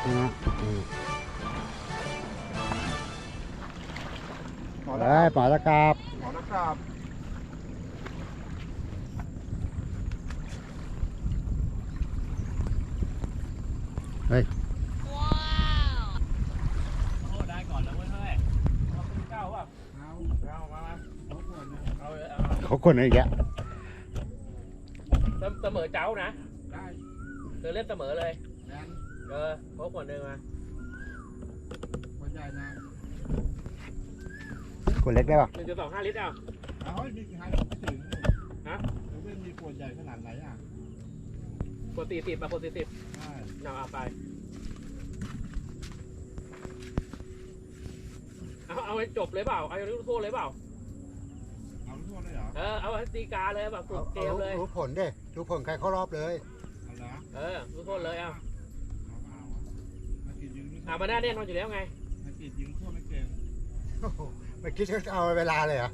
เฮ้ยปล่อยตะกราบหมอตะกราบเฮ้ยโอ้ได้ก่อนแล้วเว้ยเฮ้ยเอาเป็นเก้าป่ะเอามาเขาคนอะไรอีกแล้วเสมอเจ้านะได้เล่นเสมอเลยแดนโค้กคนหนึ่งมาคนใหญ่นะคนเล็กได้ป่ะ 1.25 ลิตรเอาเอาให้มีใครไม่ถึงฮะแล้วไม่มีขวดใหญ่ขนาดไหนอ่ะกด40มา40 ใช่เอาไปเอาให้จบเลยเปล่าเอาให้รู้โทษเลยเปล่าเอาทุกคนเลยเหรอเอาให้ตีกาเลยแบบสุดเกมเลยรู้ผลดิรู้ผลใครเข้ารอบเลยเอาละรู้โทษเลยเอามากินยิงไม่มาหน้าแน่นอนอยู่แล้วไงมากินยิงทั่วไม่เก่งโอ้โหไม่คิดจะเอาเวลาเลยเหรอ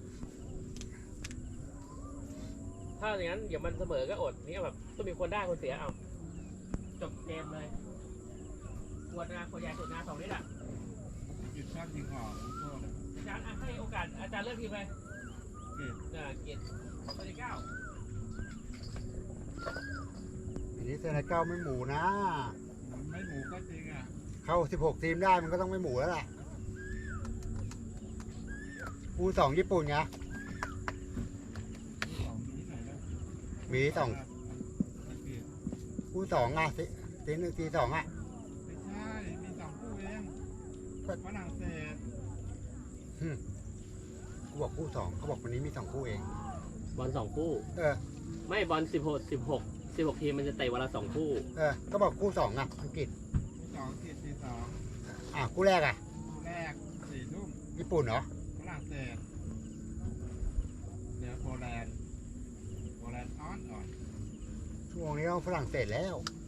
ถ้าอย่างนั้นเดี๋ยวมันเสมอก็อดนี่แบบต้องมีคนได้คนเสียเอาจบเกมเลยขวดใหญ่สุด2 ลิตรอ่ะกินชอบยิงออกทุกคนอาจารย์ให้โอกาสอาจารย์เลือกทีมเลยเกียรติข้อที่ 9 อันนี้เซนเก้าไม่หมูนะมันไม่หมูก็จริงอ่ะเข้า16 ทีมได้มันก็ต้องไม่หมูแล้วล่ะคู่2ญี่ปุ่นไงของนี้ไหนแล้วมี2คู่2อ่ะที1ที2อ่ะไม่ใช่มี2คู่เองฝรั่งเศสกูบอกคู่2เขาบอกวันนี้มี2คู่เองบอล2 คู่ไม่บอล16 ทีมมันจะเตะวันละ2 คู่ก็บอกคู่2อ่ะอังกฤษที่2 คู่แรกอ่ะคู่แรก4 ทุ่มญี่ปุ่นเหรอฝรั่งเศสเดี๋ยวโปแลนด์อ่อนช่วงนี้ต้องฝรั่งเศสแล้ว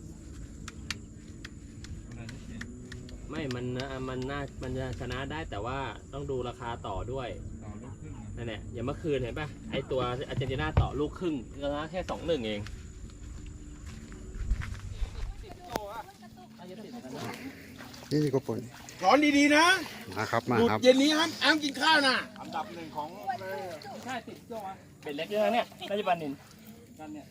โปแลนด์นี่เก่งไม่มันจะชนะได้แต่ว่าต้องดูราคาต่อด้วยต่อลูกครึ่งนั่นแหละอย่างเมื่อคืนเห็นป่ะไอตัวอาร์เจนตินาต่อลูกครึ่งก็แค่ 2-1 เองนี่ก็ปุ่นร้อนดีๆนะมาครับมาหยุดครับเย็นนี้ห้ามกินข้าวนะอันดับ1ของใช่ติดโจ้อะเป็นเล็กเยอะเนี่ยน่าจะปานินกันเนี่ย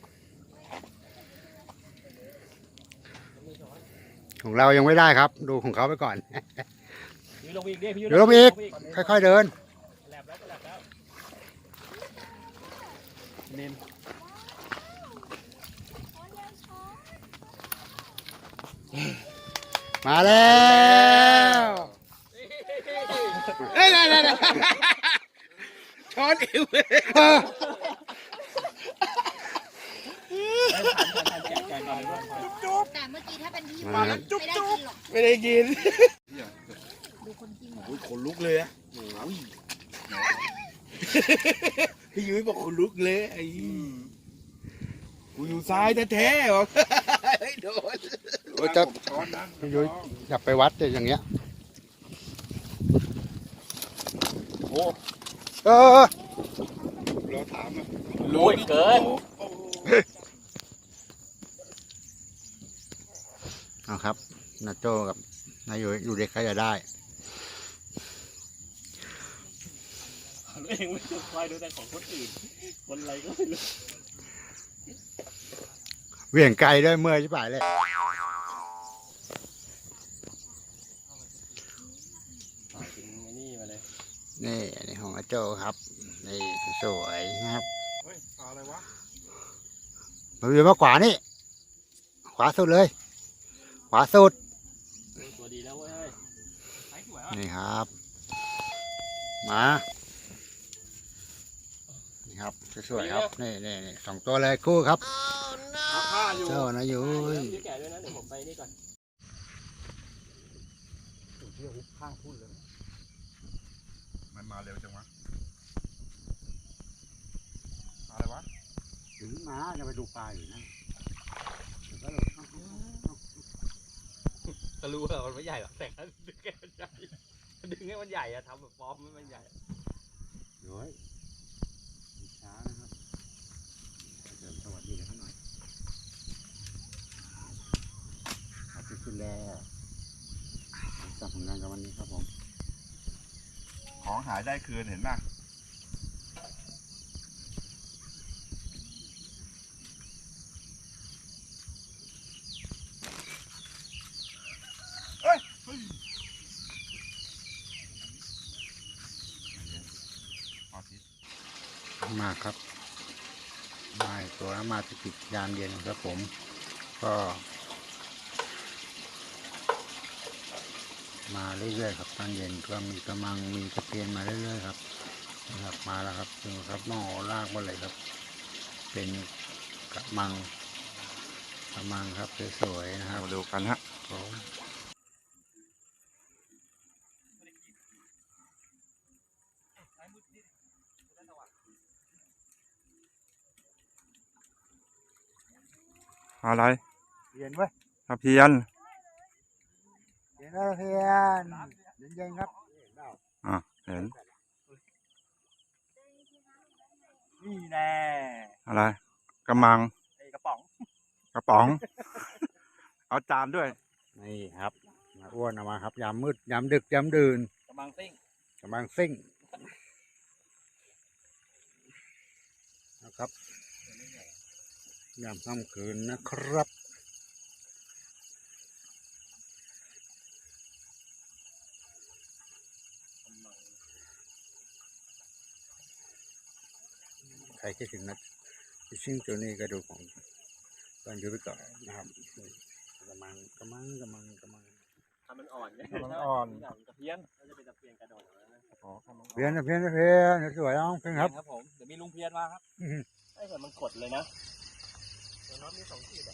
ของเรายังไม่ได้ครับ ดูของเขาไปก่อนพี่ลงอีกดิพี่เดี๋ยวลงอีก ค่อยๆเดินแลบแล้วนินมาแล้วเฮ้ยช้อนอิ่วแต่เมื่อกี้ถ้าเป็นพี่มาไม่ได้กินหรอกไม่ได้กินดูคนกินโอ้ยขนลุกเลยอะโอ้ยพี่ยุ้ยบอกขนลุกเลยไอ้กูอยู่ซ้ายแท้ๆบอกโดนจะพี่ยุ้ยอยากไปวัดแต่อย่างเงี้ยโอ้เราถามอ่ะลุยเกินเอาครับนาโจ้กับนายยุ้ยอยู่เด็กใครจะได้เองไม่ต้องคอยดูแต่ของคนอื่นคนอะไรก็ไม่รู้เหวี่ยงไกลด้วยเมื่อยชิบหายเลยต่อยเป็นนี่มาเลยนี่อันนี้ของอาโจ้ครับนี่สวยๆนะครับเฮ้ยปลาอะไรวะมาอยู่มาขวานี่ขวาสุดเลยขวาสุดตัวดีแล้วเว้ยไอ้สวยอ่ะนี่ครับมานี่ครับสวยๆครับนี่2 ตัวเลยคู่ครับผ้าอยู่เจ้านะยุ้ยพี่แก่ด้วยนะเดี๋ยวผมไปนี่ก่อนที่หุบข้างพุ่นเลยมันมาเร็วจังวะอะไรวะถึงมาจะไปดูปลาอยู่นั่นก็รู้ว่ามันไม่ใหญ่หรอกแต่ก็ดึงให้มันใหญ่ดึงให้มันใหญ่อะทำแบบฟอร์มให้มันใหญ่น้อยช้านะครับเดินสวัสดีกันหน่อยขอบคุณแล้ววันนี้ครับผมของหายได้คืนเห็นป่ะมาครับมาอีกตัวแล้วมาติดยามเย็นครับผมก็มาเรื่อยๆครับตอนเย็นก็มีกระมังมีตะเพียนมาเรื่อยๆครับนะครับมาแล้วครับดูครับหม้อลากมาเลยครับเป็นกระมังครับสวยๆนะครับมาดูกันฮะผมอะไรเพียนเว้ยตะเพียนเพียนแล้วเพียนเย็นๆครับเห็นนี่แน่อะไรกระมังไอ้กระป๋องกระป๋อง เอาจานด้วยนี่ครับมาอ้วนเอามาครับยามมืดยามดึกยามดื่นกระมังซิ่งกำลังซิ่งนะครับยามค่ำคืนนะครับใครคิดถึงนะซิ่งตัวนี้ก็ดูของตอนอยู่ไปก่อนนะครับกำลังถ้ามันอ่อนเนี่ยมันอ่อนตะเพียนก็จะเป็นตะเพียนกระโดดนะอ๋อเพี้ยนสวยน้องเพี้ยนครับครับผมเดี๋ยวมีลุงเพียนมาครับไอ้แต่มันกดเลยนะตัวน็อตมี2 ขีดอ่ะ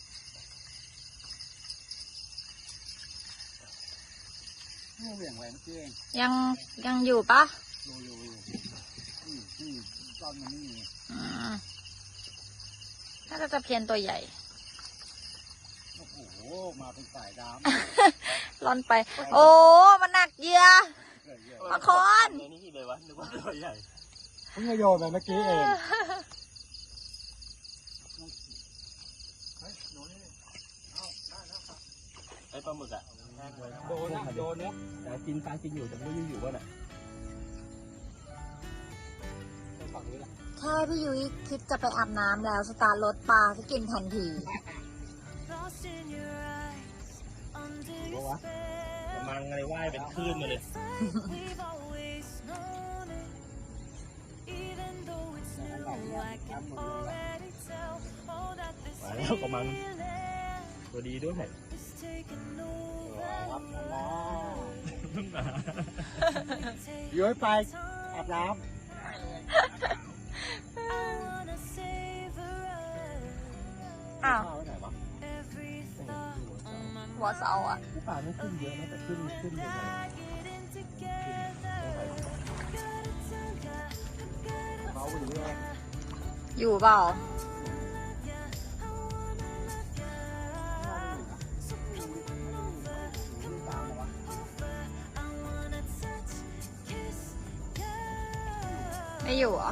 เหวี่ยงแหวนเพี้ยนยังอยู่ปะอยู่ตอนมันนี่น่าจะตะเพียนตัวใหญ่โอ้โหมาเป็นสายดร่อนไป โอ้มันหนักเหยื่อำมาคอนในนี้เลยวะนึกว่าตัวใหญ่เพิ่งจะโยนไปเมื่อกี้เองไอ้ปลาหมึกอ่ะโดนนะแต่กินอยู่แต่ไม่รู้อยู่ว่าน่ะแค่พี่ยุ้ยคิดจะไปอาบน้ำแล้วสตาร์ทรถปลาจะกินทันทีกระมังอะไรว่ายเป็นคลื่นมาเลยมาแล้วกระมังตัวดีด้วยย้อยไปอาบน้อ้าวำไปไหนวะหัวเสาอ่ะป่าไม่ขึ้นเยอะนะแต่ขึ้นอยู่นะเขาไปอยู่ด้วยอยู่เปล่า ไม่อยู่เหรอ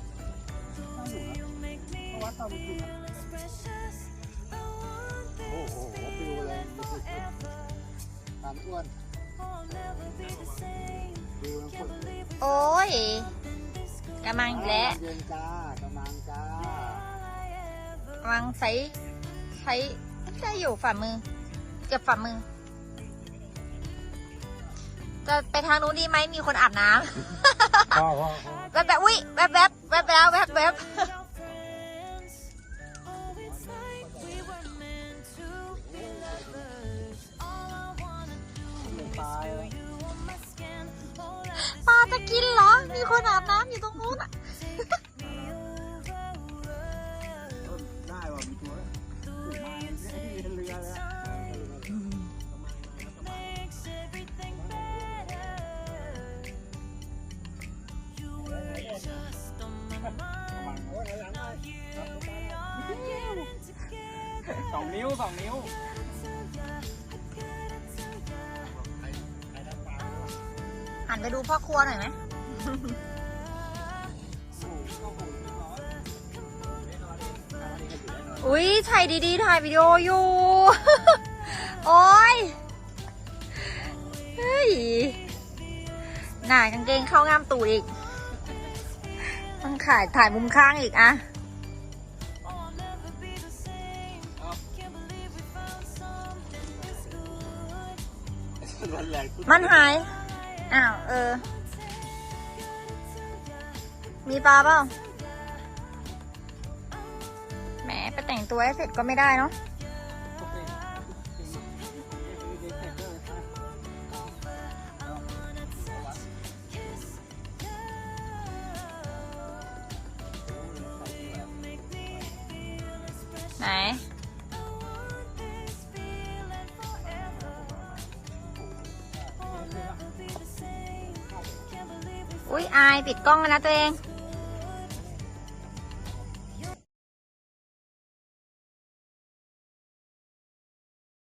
โอ้โหปิวเลยตามอ้วนปิวมันกดโอ้ยกำลังอีกแล้วเย็นจ้ากำลังจ้ากำลังใช้อยู่ฝ่ามือ เกือบฝ่ามือ จะไปทางนู้นดีไหมมีคนอาบน้ำพ่อแวบอุ้ยแวบไปแล้วแวบตายแล้วปลาจะกินเหรอ มีคนอาบน้ำอยู่ตรงนู้นอ่ะได้ว่ะมีตัวมาเรือแล้ว 2 นิ้วหันไปดูพ่อครัวหน่อยไหม อุ้ยถ่ายดีๆถ่ายวิดีโออยู่ โอ้ยเฮ้ยยหน่ากางเกงเข้างามตูดอีกต้องถ่ายมุมข้างอีกอะ มันหาย อ้าว มีปลาเปล่าแหมไปแต่งตัวให้เสร็จก็ไม่ได้เนาะไหน อุ๊ย อายปิดกล้องแล้วนะตัวเอง